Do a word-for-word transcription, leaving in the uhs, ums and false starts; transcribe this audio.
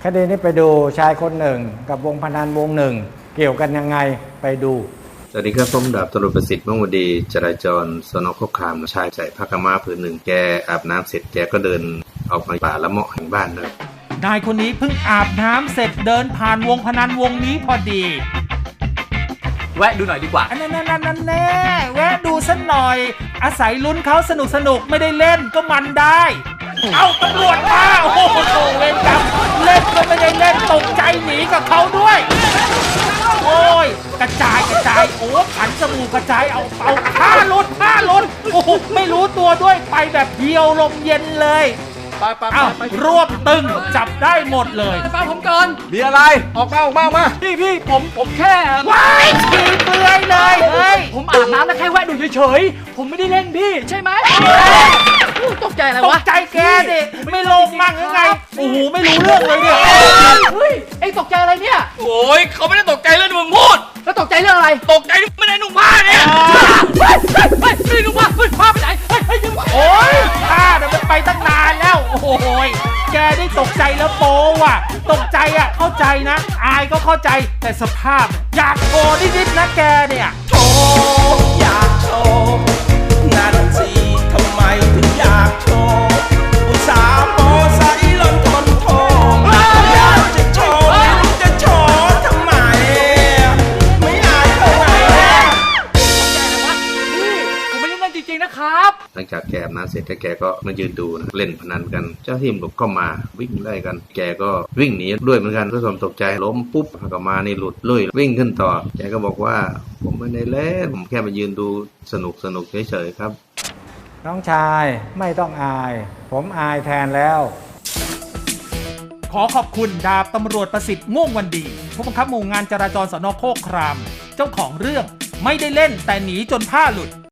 คดีนี้ไปดูชายคนหนึ่งกับวงพนันวงหนึ่งเกี่ยวกันยังไงไปดูสวัสดีครับผมดาบตำรวจประสิทธิ์ม่วงวดีจราจรสน.โคกคามชายใส่ผ้ากำมะผืนหนึ่งแกอาบน้ำเสร็จแกก็เดินออกมาป่าละเมาะแห่งบ้านนะนายคนนี้เพิ่งอาบน้ำเสร็จเดินผ่านวงพนันวงนี้พอดีแวะดูหน่อยดีกว่าอันนั้นนั่นนั่นแน่แวะดูสักหน่อยอาศัยลุ้นเขาสนุกสนุกไม่ได้เล่นก็มันได้เอาตำรวจมาโอ้โหเล่นกับเล่นก็ไม่ได้เล่นตกใจหนีกับเขาด้วยโอ้ยกระจายกระจายโอ้ขันจมูกกระจายเอาเอาผ้าลุดผ้าลุดโอ้โหไม่รู้ตัวด้วยไปแบบเดียวลมเย็นเลยไปไปไปรวบตึงจับได้หมดเลยฟังผมก่อนมีอะไรออกมาออกมามาพี่พี่ผมผมแค่ว้ายฉี่เปลือยเลยเฮ้ยผมอาบน้ำแล้วแค่แวะดูเฉยๆผมไม่ได้เล่นพี่ใช่ไหมตกใจอะไรวะตกใจแกดิไม่โลงมั่งยังไงโอ้โหไม่รู้เรื่องเลยเนี่ยเฮ้ยไอ้ตกใจอะไรเนี่ยโอ้ยเขาไม่ได้ตกใจเรื่องที่มึงพูดแล้วตกใจเรื่องอะไรตกใจที่ไม่ได้นุ่งผ้าเนี่ยเฮ้ยเฮ้ยไม่ได้นุ่งผ้าเฮ้ยผ้าไปไหนเฮ้ยเฮ้ยยังโอ้ยผ้าเดี๋ยวมันไปตั้งนานแล้วโอ้โหแกได้ตกใจแล้วโป๊ว่ะตกใจอ่ะเข้าใจนะอายก็เข้าใจแต่สภาพอยากโชว์นิดๆนะแกเนี่ยโชว์อยากโชว์นั่นสิทำไมถึงอยากโชว์อุตส่าห์โมใส่ล้นทนโทอยากจะโชว์ไม่รู้จะโชว์ทำไมไม่อายเท่าไหร่ผมไม่ได้เล่นจริงๆนะครับหลังจากแกอาบน้ำเสร็จแกก็มายืนดูนะเล่นพนันกันเจ้าทีมก็มาวิ่งไล่กันแกก็วิ่งหนีด้วยเหมือนกันด้วยความตกใจล้มปุ๊บผ้ากำมะนี่หลุดลุยวิ่งขึ้นต่อแกก็บอกว่าผมไม่ได้เล่นผมแค่มายืนดูสนุกสนุกเฉยๆครับน้องชายไม่ต้องอายผมอายแทนแล้วขอขอบคุณดาบตำรวจประสิทธิ์ม่วงวันดีผู้บังคับหมู่งานจราจรสน.โคกครามเจ้าของเรื่องไม่ได้เล่นแต่หนีจนผ้าหลุด